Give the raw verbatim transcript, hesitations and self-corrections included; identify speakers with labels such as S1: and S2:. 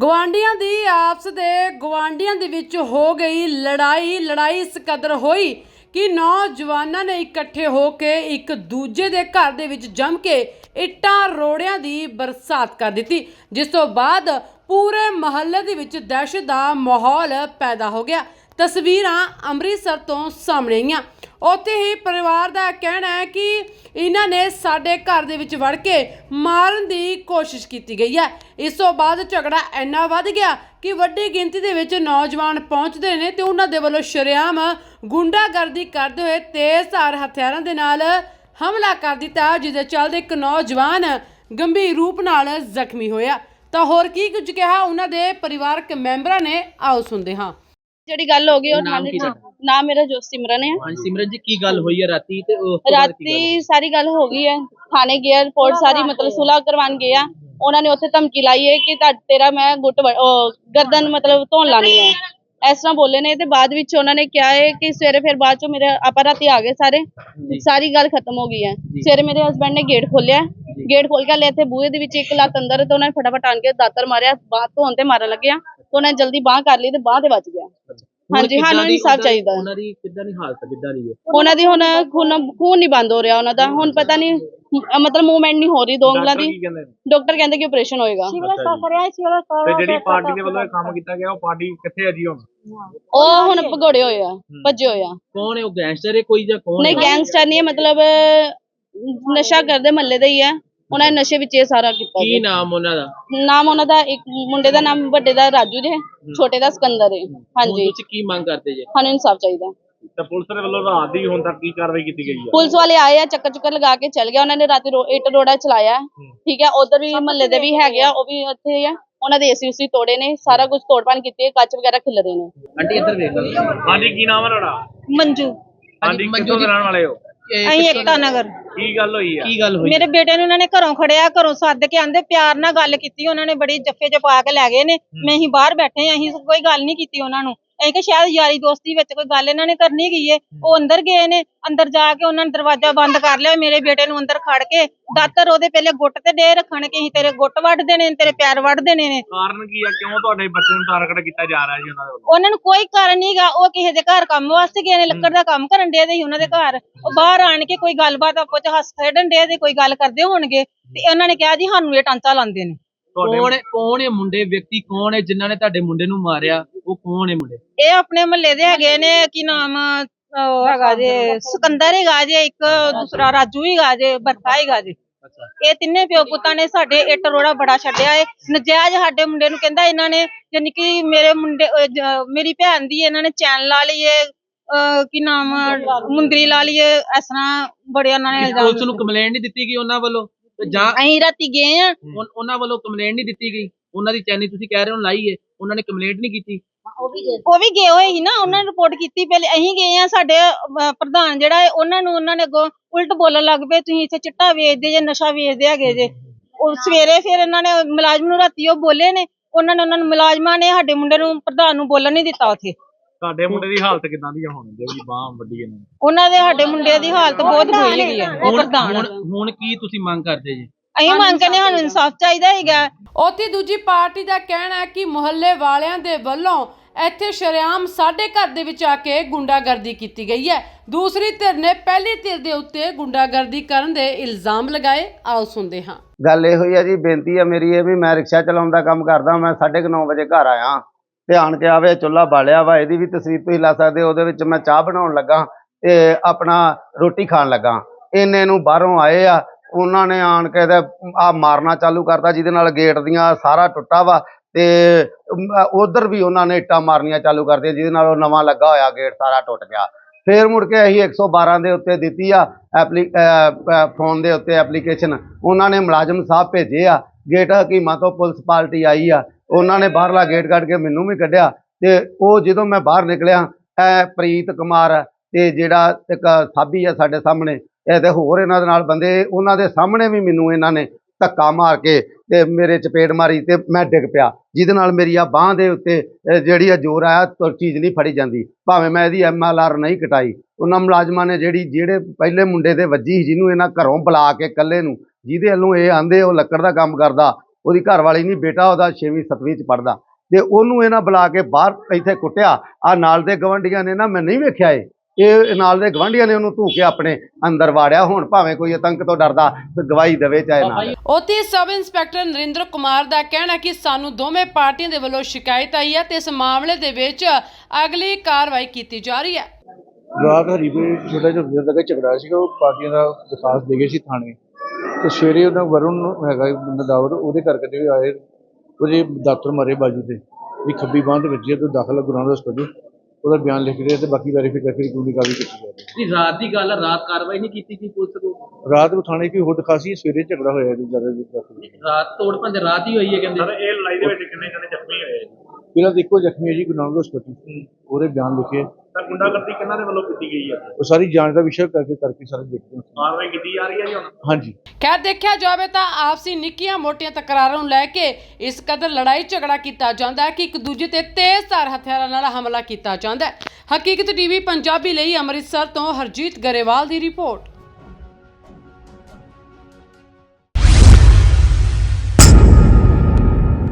S1: ਗਵਾਂਢੀਆਂ ਦੀ ਆਪਸ ਦੇ ਗਵਾਂਢੀਆਂ ਦੇ ਵਿੱਚ ਹੋ ਗਈ ਲੜਾਈ ਲੜਾਈ ਇਸ ਕਦਰ ਹੋਈ ਕਿ ਨੌਜਵਾਨਾਂ ਨੇ ਇਕੱਠੇ ਹੋ ਕੇ ਇੱਕ ਦੂਜੇ ਦੇ ਘਰ ਦੇ ਵਿੱਚ ਜੰਮ ਕੇ ਇੱਟਾਂ ਰੋੜਿਆਂ ਦੀ ਬਰਸਾਤ ਕਰ ਦਿੱਤੀ, ਜਿਸ ਤੋਂ ਬਾਅਦ ਪੂਰੇ ਮੁਹੱਲੇ ਦੇ ਵਿੱਚ ਦਹਿਸ਼ਤ ਦਾ ਮਾਹੌਲ ਪੈਦਾ ਹੋ ਗਿਆ। ਤਸਵੀਰਾਂ ਅੰਮ੍ਰਿਤਸਰ ਤੋਂ ਸਾਹਮਣੇ ਆਈਆਂ। ਉੱਥੇ ਹੀ ਪਰਿਵਾਰ ਦਾ ਕਹਿਣਾ ਹੈ ਕਿ ਇਹਨਾਂ ਨੇ ਸਾਡੇ ਘਰ ਦੇ ਵਿੱਚ ਵੜ ਕੇ ਮਾਰਨ ਦੀ ਕੋਸ਼ਿਸ਼ ਕੀਤੀ ਗਈ ਹੈ। ਇਸ ਤੋਂ ਬਾਅਦ ਝਗੜਾ ਇੰਨਾ ਵੱਧ ਗਿਆ ਕਿ ਵੱਡੀ ਗਿਣਤੀ ਦੇ ਵਿੱਚ ਨੌਜਵਾਨ ਪਹੁੰਚਦੇ ਨੇ ਤੇ ਉਹਨਾਂ ਦੇ ਵੱਲੋਂ ਸ਼ਰੇਆਮ ਗੁੰਡਾਗਰਦੀ ਕਰਦੇ ਹੋਏ ਤੇਜ਼ਧਾਰ ਹਥਿਆਰਾਂ ਦੇ ਨਾਲ ਹਮਲਾ ਕਰ ਦਿੱਤਾ, ਜਿਹਦੇ ਚੱਲਦੇ ਇੱਕ ਨੌਜਵਾਨ ਗੰਭੀਰ ਰੂਪ ਨਾਲ ਜ਼ਖਮੀ ਹੋਇਆ। ਤਾਂ ਹੋਰ ਕੀ ਕੁਝ ਕਿਹਾ ਉਹਨਾਂ ਦੇ ਪਰਿਵਾਰਕ ਮੈਂਬਰਾਂ ਨੇ, ਆਓ ਸੁਣਦੇ ਹਾਂ।
S2: ਜਿਹੜੀ ਗੱਲ ਹੋ ਗਈ ਉਹ ਥਾਣੇ ਚ ਨਾਮ ਮੇਰਾ ਜੋ ਸਿਮਰਨ ਹੈ।
S3: ਹਾਂਜੀ ਸਿਮਰਨ ਜੀ, ਕੀ ਗੱਲ ਹੋਈ ਹੈ ਰਾਤੀ ਤੇ ਉਸ ਤੋਂ ਬਾਅਦ ਕੀ
S2: ਰਾਤੀ
S3: ਗੱਲ?
S2: ਸਾਰੀ ਗੱਲ ਹੋ ਗਈ ਹੈ, ਥਾਣੇ ਗਿਆ ਰਿਪੋਰਟ ਸਾਰੀ ਮਤਲਬ ਸੁਲ੍ਹਾ ਕਰਵਾਉਣ ਗਏ ਆ। ਉਹਨਾਂ ਨੇ ਉੱਥੇ ਧਮਕੀ ਲਾਈ ਹੈ ਕਿ ਤੁਹਾਡਾ ਤੇਰਾ ਮੈਂ ਗੁੱਟ ਵ- ਉਹ ਗਰਦਨ ਮਤਲਬ ਧੋਣ ਲਾਣੀ ਹੈ, ਇਸ ਤਰ੍ਹਾਂ ਬੋਲੇ ਨੇ। ਤੇ ਬਾਅਦ ਵਿੱਚ ਉਹਨਾਂ ਨੇ ਕਿਹਾ ਹੈ ਕਿ ਸਵੇਰੇ ਫਿਰ ਬਾਅਦ ਚੋਂ ਮੇਰੇ ਆਪਾਂ ਰਾਤੀ ਆ ਗਏ ਸਾਰੇ, ਸਾਰੀ ਗੱਲ ਖਤਮ ਹੋ ਗਈ ਹੈ। ਸਵੇਰੇ ਮੇਰੇ ਹਸਬੈਂਡ ਨੇ ਗੇਟ ਖੋਲਿਆ, ਗੇਟ ਖੋਲ ਕੇ ਲੈ ਇੱਥੇ ਬੂਹੇ ਦੇ ਵਿੱਚ ਇੱਕ ਲੱਤ ਅੰਦਰ ਤੇ ਉਹਨਾਂ ਨੇ ਫਟਾਫਟ ਆਣ ਕੇ ਦਾਤਰ ਮਾਰਿਆ, ਬਾਹ ਧੋਣ ਤੇ ਮਾਰਨ ਲੱਗਿਆ ਤੇ ਉਹਨਾਂ ਨੇ ਜਲਦੀ ਬਾਹ ਕਰ ਲਈ ਤੇ ਬਾਹ ਤੇ ਵੱਜ ਗਿਆ। ਹਾਂਜੀ, ਸਾਨੂੰ ਇਨਸਾਫ ਚਾਹੀਦਾ।
S3: ਉਹਨਾਂ ਦੀ ਕਿੱਦਾਂ ਦੀ ਹਾਲਤ ਕਿੱਦਾਂ ਦੀ ਹੈ?
S2: ਉਹਨਾਂ ਦੀ ਹੁਣ ਖੂਨ ਖੂਨ ਨਹੀਂ ਬੰਦ ਹੋ ਰਿਹਾ ਉਹਨਾਂ ਦਾ, ਹੁਣ ਪਤਾ ਨਹੀਂ ਮਤਲਬ ਮੂਵਮੈਂਟ ਨਹੀਂ ਹੋ ਰਹੀ ਦੋ ਉਂਗਲਾਂ ਦੀ। ਡਾਕਟਰ ਕਹਿੰਦੇ ਕਿ ਆਪਰੇਸ਼ਨ ਹੋਏਗਾ।
S4: ਤੇ ਜਿਹੜੀ ਪਾਰਟੀ ਦੇ ਵੱਲੋਂ ਇਹ ਕੰਮ ਕੀਤਾ ਗਿਆ ਉਹ ਪਾਰਟੀ ਕਿੱਥੇ ਹੈ ਜੀ ਹੁਣ?
S2: ਉਹ ਹੁਣ ਭਗੌੜੇ ਹੋਏ ਆ, ਭੱਜੇ ਹੋਏ ਆ।
S3: ਕੌਣ ਹੈ ਉਹ? ਗੈਂਗਸਟਰ ਹੈ ਕੋਈ ਜਾਂ ਕੌਣ
S2: ਨਹੀਂ,
S3: ਹੈ?
S2: ਗੈਂਗਸਟਰ ਨਹੀਂ ਹੈ, ਮਤਲਬ ਨਸ਼ਾ ਕਰਦੇ ਮਹੱਲੇ ਦਾ ਹੀ ਹੈ। ਉਹਨਾਂ ਨੇ ਨਸ਼ੇ ਵਿੱਚ ਇਹ ਸਾਰਾ ਕੀਤਾ।
S3: ਕੀ ਨਾਮ ਉਹਨਾਂ ਦਾ?
S2: ਨਾਮ ਉਹਨਾਂ ਦਾ, ਇੱਕ ਮੁੰਡੇ ਦਾ ਨਾਮ ਵੱਡੇ ਦਾ ਰਾਜੂ ਜੇ, ਛੋਟੇ ਦਾ ਸਿਕੰਦਰ ਹੈ। ਹਾਂਜੀ,
S3: ਤੁਸੀਂ ਕੀ ਮੰਗ ਕਰਦੇ ਜੇ?
S2: ਸਾਨੂੰ ਇਨਸਾਫ ਚਾਹੀਦਾ।
S4: ਤੇ ਪੁਲਿਸ ਦੇ ਵੱਲੋਂ ਰਾਤ ਦੀ ਹੁਣ ਤੱਕ ਕੀ ਕਾਰਵਾਈ ਕੀਤੀ ਗਈ ਹੈ?
S2: ਪੁਲਿਸ ਵਾਲੇ ਆਏ ਆ, ਚੱਕਰ ਚੁੱਕਰ ਲਗਾ ਕੇ ਚਲ ਗਿਆ। ਉਹਨਾਂ ਨੇ ਰਾਤੀ ਰੋ- ਇੱਟ ਰੋੜਾ ਚਲਾਇਆ, ਠੀਕ ਹੈ। ਉਧਰ ਵੀ ਮਹੱਲੇ ਦੇ ਵੀ ਹੈਗੇ ਆ, ਉਹ ਵੀ ਉੱਥੇ ਹੀ ਆ। ਉਹਨਾਂ ਦੇ ਏਸੀ ਉਸੀ ਤੋੜੇ ਨੇ, ਸਾਰਾ ਕੁਝ ਤੋੜਪਾਣ ਕੀਤੀ ਹੈ, ਕੱਚ ਵਗੈਰਾ ਖਿਲਰੇ ਨੇ।
S3: ਆਂਟੀ ਇੱਧਰ ਵੇਖ ਲਓ।
S4: ਹਾਂਜੀ, ਕੀ ਨਾਮ ਹੈ ਤੁਹਾਡਾ?
S5: ਮੰਜੂ।
S4: ਹਾਂਜੀ, ਕਿੱਥੋਂ ਦੇ ਰਹਿਣ ਵਾਲੇ ਹੋ?
S5: ਅਸੀਂ ਏਕਤਾ ਨਗਰ।
S4: ਕੀ ਗੱਲ ਹੋਈ ਹੈ?
S3: ਕੀ ਗੱਲ ਹੋਈ?
S5: ਮੇਰੇ ਬੇਟੇ ਨੂੰ ਉਹਨਾਂ ਨੇ ਘਰੋਂ ਖੜਿਆ, ਘਰੋਂ ਸੱਦ ਕੇ ਆਂਦੇ, ਪਿਆਰ ਨਾਲ ਗੱਲ ਕੀਤੀ। ਉਹਨਾਂ ਨੇ ਬੜੀ ਜੱਫੇ ਚ ਪਾ ਕੇ ਲੈ ਗਏ ਨੇ। ਮੈਂ ਅਸੀਂ ਬਾਹਰ ਬੈਠੇ ਆਂ, ਅਸੀਂ ਕੋਈ ਗੱਲ ਨਹੀਂ ਕੀਤੀ ਉਹਨਾਂ ਨੂੰ। ਅਸੀਂ ਕਿ ਸ਼ਾਇਦ ਯਾਰੀ ਦੋਸਤੀ ਵਿੱਚ ਕੋਈ ਗੱਲ ਇਹਨਾਂ ਨੇ ਕਰਨੀ ਗਈ ਏ। ਉਹ ਅੰਦਰ ਗਏ ਨੇ, ਅੰਦਰ ਜਾ ਕੇ ਉਹਨਾਂ ਨੇ ਦਰਵਾਜ਼ਾ ਬੰਦ ਕਰ ਲਿਆ। ਮੇਰੇ ਬੇਟੇ ਨੂੰ ਅੰਦਰ ਖੜ ਕੇ ਦਾਤਰ ਉਹਦੇ ਪਹਿਲੇ ਗੁੱਟ ਤੇ ਦੇ ਰੱਖਣ ਕਿ ਅਸੀਂ ਤੇਰੇ ਗੁੱਟ ਵੱਢ ਦੇਣੇ ਨੇ, ਤੇਰੇ ਪੈਰ ਵੱਢ ਦੇਣੇ ਨੇ।
S4: ਕਾਰਨ ਕੀ ਹੈ? ਕਿਉਂ ਤੁਹਾਡੇ ਬੱਚੇ ਨੂੰ ਟਾਰਗੇਟ ਕੀਤਾ ਜਾ ਰਿਹਾ ਜੀ ਉਹਨਾਂ ਦੇ ਵੱਲੋਂ?
S5: ਉਹਨਾਂ ਨੂੰ ਕੋਈ ਕਾਰਨ ਨਹੀਂਗਾ। ਉਹ ਕਿਸੇ ਦੇ ਘਰ ਕੰਮ ਵਾਸਤੇ ਗਏ ਨੇ, ਲੱਕੜ ਦਾ ਕੰਮ ਕਰਨ ਦੇ ਸੀ ਉਹਨਾਂ ਦੇ ਘਰ। ਉਹ ਬਾਹਰ ਆਣ ਕੇ ਕੋਈ ਗੱਲਬਾਤ ਆਪੋ ਚ ਹੱਸ ਖੇਡਣ ਦੇ ਤੇ ਕੋਈ ਗੱਲ ਕਰਦੇ ਹੋਣਗੇ ਤੇ ਉਹਨਾਂ ਨੇ ਕਿਹਾ ਜੀ ਸਾਨੂੰ ਇਹ ਟਾਂਚਾ ਲਾਉਂਦੇ ਨੇ।
S3: ਕੌਣ ਹੈ? ਕੌਣ ਹੈ ਮੁੰਡੇ? ਵਿਅਕਤੀ ਕੌਣ ਹੈ ਜਿਨ੍ਹਾਂ ਨੇ ਤੁਹਾਡੇ ਮੁੰਡੇ ਨੂੰ ਮਾਰਿਆ? ਉਹ ਕੌਣ ਹੈ ਮੁੰਡੇ?
S5: ਇਹ ਆਪਣੇ ਮਹੱਲੇ ਦੇ ਹੈਗੇ ਨੇ। ਕੀ ਨਾਮ ਉਹ ਹੈਗਾ ਜੇ ਸਿਕੰਦਰ ਹੈਗਾ ਜੇ, ਇੱਕ ਦੂਸਰਾ ਰਾਜੂ ਹੈਗਾ ਜੇ, ਬਰਖਾ ਹੈਗਾ ਜੇ। ਇਹ ਤਿੰਨੇ ਪਿਓ ਪੁੱਤਾਂ ਨੇ ਸਾਡੇ ਇੱਟ ਰੋੜਾ ਬੜਾ ਛੱਡਿਆ ਏ। ਨਜਾਇਜ਼ ਸਾਡੇ ਮੁੰਡੇ ਨੂੰ ਕਹਿੰਦਾ ਇਹਨਾਂ ਨੇ, ਯਾਨੀ ਕਿ ਮੇਰੇ ਮੁੰਡੇ ਮੇਰੀ ਭੈਣ ਦੀ ਇਹਨਾਂ ਨੇ ਚੈਨ ਲਾ ਲਈਏ, ਕੀ ਨਾਮ ਮੁੰਦਰੀ ਲਾ ਲਈਏ, ਇਸ ਤਰ੍ਹਾਂ ਬੜੇ ਉਹਨਾਂ ਨੇ।
S3: ਪੁਲਿਸ ਨੂੰ ਕੰਪਲੇਂਟ ਨਹੀਂ ਦਿੱਤੀ ਗਈ ਉਹਨਾਂ ਵੱਲੋਂ? ਜਾਂ
S5: ਅਸੀਂ ਰਾਤੀ ਗਏ ਆ,
S3: ਉਹਨਾਂ ਵੱਲੋਂ ਕੰਪਲੇਂਟ ਨਹੀਂ ਦਿੱਤੀ ਗਈ? ਉਹਨਾਂ ਦੀ ਚੈਨੀ ਤੁਸੀਂ ਕਹਿ ਰਹੇ ਹੋ ਲਾਈ ਹੈ, ਉਹਨਾਂ ਨੇ ਕੰਪਲੇਂਟ ਨਹੀਂ ਕੀਤੀ?
S5: ਉਹ ਵੀ ਗਏ ਹੋਏ ਸੀ ਨਾ, ਉਹਨਾਂ ਨੇ ਰਿਪੋਰਟ ਕੀਤੀ। ਪਹਿਲੇ ਅਸੀਂ ਗਏ ਆ, ਸਾਡੇ ਪ੍ਰਧਾਨ ਜਿਹੜਾ ਹੈ ਉਹਨਾਂ ਨੂੰ ਉਹਨਾਂ ਨੇ ਅੱਗੋਂ ਉਲਟ ਬੋਲਣ ਲੱਗ ਪਏ, ਤੁਸੀਂ ਇੱਥੇ ਚਿੱਟਾ ਵੇਚਦੇ ਜੇ, ਨਸ਼ਾ ਵੇਚਦੇ ਹੈਗੇ ਜੇ। ਉਹ ਸਵੇਰੇ ਫਿਰ ਇਹਨਾਂ ਨੇ ਮੁਲਾਜ਼ਮ ਨੂੰ ਰਾਤੀ ਉਹ ਬੋਲੇ ਨੇ, ਉਹਨਾਂ ਨੇ ਉਹਨਾਂ ਨੂੰ ਮੁਲਾਜ਼ਮਾਂ ਨੇ ਸਾਡੇ ਮੁੰਡੇ ਨੂੰ ਪ੍ਰਧਾਨ ਨੂੰ ਬੋਲਣ ਨਹੀਂ ਦਿੱਤਾ ਉੱਥੇ।
S4: ਤੁਹਾਡੇ ਮੁੰਡੇ ਦੀ ਹਾਲਤ ਕਿਦਾਂ ਦੀ ਹੁਣ ਜਿਹੜੀ ਬਾਹ ਵੱਡੀ ਇਹਨਾਂ ਨੇ?
S5: ਉਹਨਾਂ ਦੇ ਸਾਡੇ ਮੁੰਡੇ ਦੀ ਹਾਲਤ ਬਹੁਤ ਬੁਰੀ ਹੈਗੀ ਹੈ। ਉਹ ਪ੍ਰਧਾਨ
S3: ਹੁਣ ਹੁਣ ਕੀ ਤੁਸੀਂ ਮੰਗ ਕਰਦੇ ਜੀ?
S5: ਅਸੀਂ ਮੰਗ ਕਰਦੇ ਸਾਨੂੰ ਇਨਸਾਫ ਚਾਹੀਦਾ ਹੈਗਾ।
S1: ਉੱਥੇ ਦੂਜੀ ਪਾਰਟੀ ਦਾ ਕਹਿਣਾ ਹੈ ਕਿ ਮੁਹੱਲੇ ਵਾਲਿਆਂ ਦੇ ਵੱਲੋਂ ਇੱਥੇ ਸ਼ਰੇਆਮ ਸਾਡੇ ਘਰ ਦੇ ਵਿੱਚ ਆ ਕੇ ਗੁੰਡਾਗਰਦੀ ਕੀਤੀ ਗਈ ਹੈ। ਦੂਸਰੀ ਧਿਰ ਨੇ ਪਹਿਲੀ ਧਿਰ ਦੇ ਉੱਤੇ ਗੁੰਡਾਗਰਦੀ ਕਰਨ ਦੇ ਇਲਜ਼ਾਮ ਲਗਾਏ, ਆਓ ਸੁਣਦੇ ਹਾਂ।
S6: ਗੱਲ ਇਹੋ ਹੀ ਹੈ ਜੀ, ਬੇਨਤੀ ਹੈ ਮੇਰੀ ਇਹ ਵੀ, ਮੈਂ ਰਿਕਸ਼ਾ ਚਲਾਉਣ ਦਾ ਕੰਮ ਕਰਦਾ। ਮੈਂ ਸਾਢੇ ਕੁ ਨੌ ਵਜੇ ਘਰ ਆਇਆ ਤੇ ਆਣ ਕੇ ਆਵੇ ਚੁੱਲ੍ਹਾ ਬਾਲਿਆ ਵਾ, ਇਹਦੀ ਵੀ ਤਸਵੀਰ ਤੁਸੀਂ ਲਾ ਸਕਦੇ ਹੋ। ਉਹਦੇ ਵਿੱਚ ਮੈਂ ਚਾਹ ਬਣਾਉਣ ਲੱਗਾ ਤੇ ਆਪਣਾ ਰੋਟੀ ਖਾਣ ਲੱਗਾ। ਇੰਨੇ ਨੂੰ ਬਾਹਰੋਂ ਆਏ ਆ, ਉਹਨਾਂ ਨੇ ਆਣ ਕੇ ਤੇ ਆ ਮਾਰਨਾ ਚਾਲੂ ਕਰਤਾ, ਜਿਹਦੇ ਨਾਲ ਗੇਟ ਦੀਆਂ ਸਾਰਾ ਟੁੱਟਾ ਵਾ ਤੇ ਉਧਰ ਵੀ ਉਹਨਾਂ ਨੇ ਇੱਟਾਂ ਮਾਰਨੀਆਂ ਚਾਲੂ ਕਰਤੀਆਂ, ਜਿਹਦੇ ਨਾਲ ਉਹ ਨਵਾਂ ਲੱਗਾ ਹੋਇਆ ਗੇਟ ਸਾਰਾ ਟੁੱਟ ਗਿਆ। ਫਿਰ ਮੁੜ ਕੇ ਅਸੀਂ ਇੱਕ ਸੌ ਬਾਰਾਂ ਦੇ ਉੱਤੇ ਦਿੱਤੀ ਆ ਐਪਲੀ ਫੋਨ ਦੇ ਉੱਤੇ ਐਪਲੀਕੇਸ਼ਨ। ਉਹਨਾਂ ਨੇ ਮੁਲਾਜ਼ਮ ਸਾਹਿਬ ਭੇਜੇ ਆ, ਗੇਟ ਹਕੀਮਾਂ ਤੋਂ ਪੁਲਿਸ ਪਾਰਟੀ ਆਈ ਆ, ਉਹਨਾਂ ਨੇ ਬਾਹਰਲਾ ਗੇਟ ਕੱਢ ਕੇ ਮੈਨੂੰ ਵੀ ਕੱਢਿਆ। ਤੇ ਉਹ ਜਦੋਂ ਮੈਂ ਬਾਹਰ ਨਿਕਲਿਆ, ਇਹ ਪ੍ਰੀਤ ਕੁਮਾਰ ਤੇ ਜਿਹੜਾ ਇੱਕ ਸਾਬੀ ਆ ਸਾਡੇ ਸਾਹਮਣੇ, ਇਹ ਤੇ ਹੋਰ ਇਹਨਾਂ ਦੇ ਨਾਲ ਬੰਦੇ, ਉਹਨਾਂ ਦੇ ਸਾਹਮਣੇ ਵੀ ਮੈਨੂੰ ਇਹਨਾਂ ਨੇ ਧੱਕਾ ਮਾਰ ਕੇ ਤੇ ਮੇਰੇ ਚਪੇੜ ਮਾਰੀ ਤੇ ਮੈਂ ਡਿੱਗ ਪਿਆ, ਜਿਹਦੇ ਨਾਲ ਮੇਰੀ ਆ ਬਾਂਹ ਦੇ ਉੱਤੇ ਜਿਹੜੀ ਆ ਜ਼ੋਰ ਆਇਆ, ਚੀਜ਼ ਨਹੀਂ ਫੜੀ ਜਾਂਦੀ। ਭਾਵੇਂ ਮੈਂ ਇਹਦੀ ਐਮ ਐਲ ਆਰ ਨਹੀਂ ਕਟਾਈ, ਉਹਨਾਂ ਮੁਲਾਜ਼ਮਾਂ ਨੇ ਜਿਹੜੀ ਜਿਹੜੇ ਪਹਿਲੇ ਮੁੰਡੇ ਦੇ ਵੱਜੀ, ਜਿਹਨੂੰ ਇਹਨਾਂ ਘਰੋਂ ਬੁਲਾ ਕੇ ਇਕੱਲੇ ਨੂੰ, ਜਿਹਦੇ ਵੱਲੋਂ ਇਹ ਆਂਦੇ ਉਹ ਲੱਕੜ ਦਾ ਕੰਮ ਕਰਦਾ, ਉਹਦੀ ਘਰ ਵਾਲੀ ਨਹੀਂ, ਬੇਟਾ ਉਹਦਾ ਛੇਵੀਂ ਸੱਤਵੀਂ ਚ ਪੜਦਾ, ਤੇ ਉਹਨੂੰ ਇਹਨਾਂ ਬੁਲਾ ਕੇ ਬਾਹਰ ਇੱਥੇ ਕੁੱਟਿਆ। ਆ ਨਾਲ ਦੇ ਗਵੰਡੀਆਂ ਨੇ ਨਾ, ਮੈਂ ਨਹੀਂ ਵੇਖਿਆ ਇਹ ਇਹ ਨਾਲ ਦੇ ਗਵੰਡੀਆਂ ਨੇ ਉਹਨੂੰ ਧੂ ਕੇ ਆਪਣੇ ਅੰਦਰ ਵਾੜਿਆ। ਹੁਣ ਭਾਵੇਂ ਕੋਈ ਆਤੰਕ ਤੋਂ ਡਰਦਾ ਤੇ ਗਵਾਹੀ ਦੇਵੇ ਚਾਹੇ ਨਾ।
S1: ਉੱਥੇ ਸਬ ਇੰਸਪੈਕਟਰ ਨਰਿੰਦਰ ਕੁਮਾਰ ਦਾ ਕਹਿਣਾ ਕਿ ਸਾਨੂੰ ਦੋਵੇਂ ਪਾਰਟੀਆਂ ਦੇ ਵੱਲੋਂ ਸ਼ਿਕਾਇਤ ਆਈ ਹੈ ਤੇ ਇਸ ਮਾਮਲੇ ਦੇ ਵਿੱਚ ਅਗਲੀ ਕਾਰਵਾਈ ਕੀਤੀ ਜਾ ਰਹੀ ਹੈ।
S7: ਰਾਤ ਹਰੀਪੁਰ ਛੋਟਾ ਜਿਹਾ ਦੇਰ ਤੱਕ ਝਗੜਾ ਸੀਗਾ, ਉਹ ਪਾਰਟੀਆਂ ਦਾ ਦਰਖਾਸਤ ਦੇ ਗਏ ਸੀ ਥਾਣੇ, ਤੇ ਸਵੇਰੇ ਉਹਨਾਂ ਵਰੁਣ ਹੈਗਾ ਬੰਦਾ ਦਾਵਰ, ਉਹਦੇ ਕਰਕੇ ਜਿਹੜੇ ਆਏ ਉਹਦੇ ਡਾਕਟਰ ਮਾਰੇ ਬਾਜੂ ਤੇ ਵੀ ਖੱਬੀ ਬਾਂਹ ਦੇ ਵਿੱਚ ਤੋਂ ਦਾਖਲ ਗੁਰਾਂ ਦਾ ਹਸਪਤਾਲ, ਉਹਦਾ ਬਿਆਨ ਲਿਖ ਰਹੇ ਤੇ ਬਾਕੀ ਵੈਰੀਫਾਈ ਕਰਕੇ ਕਾਨੂੰਨੀ ਕਾਰਵਾਈ ਕੀਤੀ ਜਾ ਰਹੀ
S3: ਜੀ ਰਾਤ ਦੀ ਗੱਲ ਹੈ, ਰਾਤ ਕਾਰਵਾਈ ਨਹੀਂ ਕੀਤੀ ਗਈ ਪੁਲਿਸ ਕੋਲ?
S7: ਹੈ। ਰਾਤ ਨੂੰ ਥਾਣੇ ਕੋਈ ਹੋਰ ਦਿਖਾਸੀ, ਸਵੇਰੇ ਝਗੜਾ ਹੋਇਆ ਜੀ ਜ਼ਿਆਦਾ।
S3: ਰਾਤ ਤੋੜ ਭੰਜ ਰਾਤ ਹੀ ਹੋਈ ਹੈ ਕਹਿੰਦੇ।
S4: ਸਰ ਇਹ ਲੜਾਈ ਦੇ ਵਿੱਚ ਕਿੰਨੇ ਜਣੇ ਜ਼ਖਮੀ ਹੋਏ?
S7: ਪਹਿਲਾਂ ਤਾਂ ਇੱਕੋ ਜ਼ਖਮੀ ਹੈ ਜੀ ਗੁਰੂ ਨਾਨਕ ਹਸਪਤਾਲ, ਉਹਦੇ ਬਿਆਨ ਲਿਖੇ।
S4: ਤਾਂ ਗੁੰਡਾਗਰਦੀ ਕਿਹਨਾਂ ਦੇ ਵੱਲੋਂ ਕੀਤੀ ਗਈ ਹੈ?
S7: ਉਹ ਸਾਰੀ ਜਾਂਚ ਦਾ ਵਿਸ਼ਾ ਕਰਕੇ ਕਰਕੇ ਸਾਰੇ ਦੇਖਦੇ ਹਾਂ।
S4: ਕਾਰਵਾਈ ਕੀਤੀ ਜਾ ਰਹੀ ਹੈ ਜੀ ਹੁਣ?
S7: ਹਾਂਜੀ।
S1: ਖੈਰ ਦੇਖਿਆ ਜਾਵੇ ਤਾਂ ਆਪਸੀ ਨਿੱਕੀਆਂ ਮੋਟੀਆਂ ਤਕਰਾਰਾਂ ਨੂੰ ਲੈ ਕੇ ਇਸ ਕਦਰ ਲੜਾਈ ਝਗੜਾ ਕੀਤਾ ਜਾਂਦਾ ਹੈ ਕਿ ਇੱਕ ਦੂਜੇ ਤੇ ਤੇਜ਼ਧਾਰ ਹਥਿਆਰਾਂ ਨਾਲ ਹਮਲਾ ਕੀਤਾ ਜਾਂਦਾ ਹੈ। ਹਕੀਕਤ ਟੀਵੀ ਪੰਜਾਬੀ ਲਈ ਅੰਮ੍ਰਿਤਸਰ ਤੋਂ ਹਰਜੀਤ ਗਰੇਵਾਲ ਦੀ ਰਿਪੋਰਟ।